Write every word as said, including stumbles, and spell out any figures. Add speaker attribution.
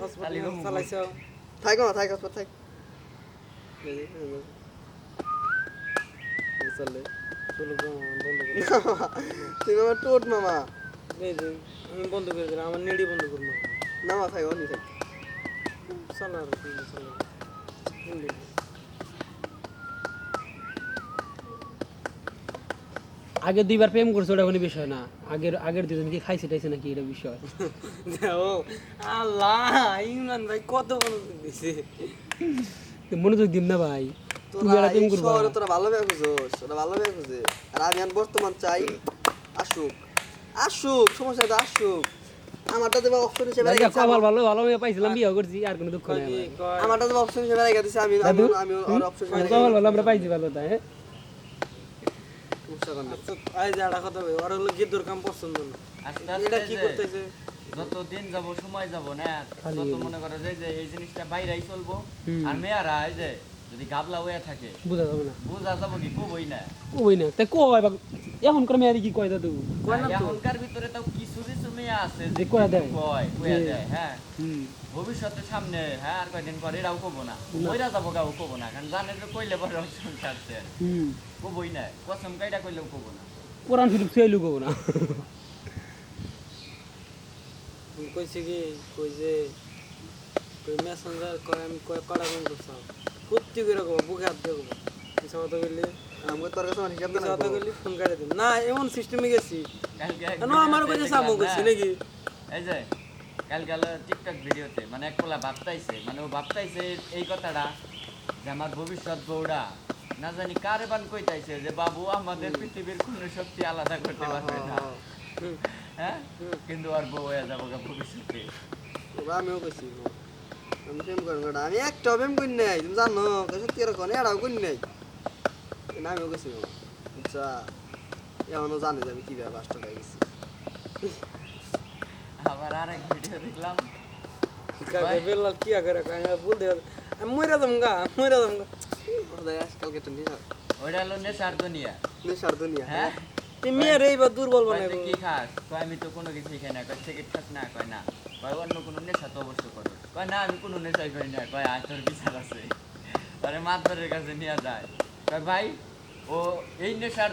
Speaker 1: Hospital চালাইছো
Speaker 2: থাক না থাক হসপিটাল থাক চলে
Speaker 1: চলো বন্ধ করে
Speaker 2: তুই আমার টোট মামা
Speaker 1: এই যে আমি বন্ধ করে দিলাম আমার নেড়ি বন্ধ করবো
Speaker 2: না মা থাক অনি থাক
Speaker 1: চলো আর চলো
Speaker 3: আগে দুইবার প্রেম করছে ওটা কোনো বিষয় না আগের আগের দুজন কি খাইছে টাইছে নাকি এটা বিষয়
Speaker 1: ও আল্লাহ ইমরান ভাই কত বড় দিছে
Speaker 3: তো মনোযোগ দিন না ভাই তুই
Speaker 2: তোরা
Speaker 3: আর প্রেম
Speaker 2: এই
Speaker 3: করবা
Speaker 2: শহরে তোরা ভালো ব্যবহার করছিস তোরা ভালো ব্যবহার করছিস আর আমি এখন বর্তমান চাই আসুক আসুক সমস্যা তো আসুক আমারটা দেবা অপশন হিসেবে
Speaker 3: ভাই
Speaker 2: রেখে
Speaker 3: কপাল ভালো ভালো মেয়ে পাইছিলাম বিয়ে করছি আর কোনো দুঃখ নাই আমার।
Speaker 2: আমারটা দেবা অপশন হিসেবে রেখে দিছি আমি আমি আমি আর অপশন হিসেবে রেখে
Speaker 3: কপাল ভালো আমরা পাইছি ভালো তাই হ্যাঁ
Speaker 2: সমস্যা করবে
Speaker 1: আচ্ছা আই যে একটা কথা ভাই ওর হলো গিদ্দর কাম পছন্দ না
Speaker 4: আস্তে
Speaker 1: এটা
Speaker 4: আস্তে
Speaker 1: কি
Speaker 4: যে
Speaker 1: করতেছে
Speaker 4: যত দিন যাব সময় যাব না
Speaker 3: খালি
Speaker 4: তত
Speaker 3: এগুলো।
Speaker 4: মনে করো যে যে এই জিনিসটা বাইরেই চলবো
Speaker 3: হুম।
Speaker 4: আর মেয়েরা এই যে যদি গাবলা হয়ে থাকে
Speaker 3: বুঝা যাবে না
Speaker 4: বুঝা যাবো কি কবই না
Speaker 3: কই না তাই কই বা এখন করে মেয়ে কি কয় দাদু
Speaker 1: কয় না তো।
Speaker 4: এখনকার ভিতরে তাও কিছু কিছু মেয়ে আছে
Speaker 3: যে কয়া দেয়।
Speaker 4: কয় কয়া
Speaker 3: যে-
Speaker 4: দেয় হ্যাঁ
Speaker 3: হুম
Speaker 4: ভবিষ্যতে সামনে হ্যাঁ আর কয়দিন পরে এরাও কবো না মইরা যাবো গাও কবো না কারণ জানে যে কইলে পরে অপশন ছাড়ছে
Speaker 3: হুম
Speaker 4: কবই না কসম কাইটা কইলেও কবো না
Speaker 3: কোরআন শরীফ সেই লুকো না
Speaker 1: কইছে কি কই যে কই মেসেঞ্জার কয় আমি কয় কড়া কোন করছাম কুত্তি করে কব বুকে হাত দিয়ে কব মিছা কথা কইলে
Speaker 2: আমাকে তোর কাছে আমার হিসাব
Speaker 1: মিছা
Speaker 2: না
Speaker 1: কথা কইলে ফোন করে দিন না এমন সিস্টেমে গেছি
Speaker 4: কালকে এক
Speaker 1: কেন আমার
Speaker 4: ভিডিওতে
Speaker 1: কাছে সামো
Speaker 4: দেখলাম
Speaker 1: কইছি
Speaker 4: না,
Speaker 1: নাকি
Speaker 4: এই যে কালকে হলো টিকটক ভিডিওতে মানে এক পোলা ভাবতাইছে মানে ও ভাবতাইছে এই কথাটা যে আমার ভবিষ্যৎ বউরা না জানি কারে বান কইতাইছে যে বাবু আমাদের পৃথিবীর কোনো শক্তি আলাদা করতে পারবে না
Speaker 1: হুম।
Speaker 4: হ্যাঁ কিন্তু আর বউ হয়ে যাবো গা ভবিষ্যতে
Speaker 2: বাবা আমিও কইছি আমি প্রেম করি না আমি একটা প্রেম করি নাই তুমি জানো সত্যি এরকম এরাও করি নাই না আমিও কইছি বাবা আচ্ছা এমনও জানে যে আমি কিভাবে বাসটা হয়ে গেছি
Speaker 4: আবার আরেক ভিডিও দেখলাম
Speaker 1: কাকে বেলাল কি করে কয় আমি বলতে আমি মইরা যাম গা মইরা যাম গা
Speaker 2: ওদের আজকালকে একটা নেশা
Speaker 4: ওইটা হলো নেশার দুনিয়া
Speaker 2: নেশার দুনিয়া
Speaker 4: হ্যাঁ
Speaker 1: তুই মেয়ের এইবার দুর্বল
Speaker 4: কয়
Speaker 1: বানাইবো
Speaker 4: তুই কি খাস কয় আমি তো কোনো কিছুই খাই না কয় সিগারেট খাস না কয় না কয় অন্য কোনো নেশা তো অবশ্য করো কয় না আমি কোনো নেশাই করি না কয় আয় তোর বিচার আছে তারে মাতবরের কাছে নিয়ে যায় কয় ভাই ও এই নেশার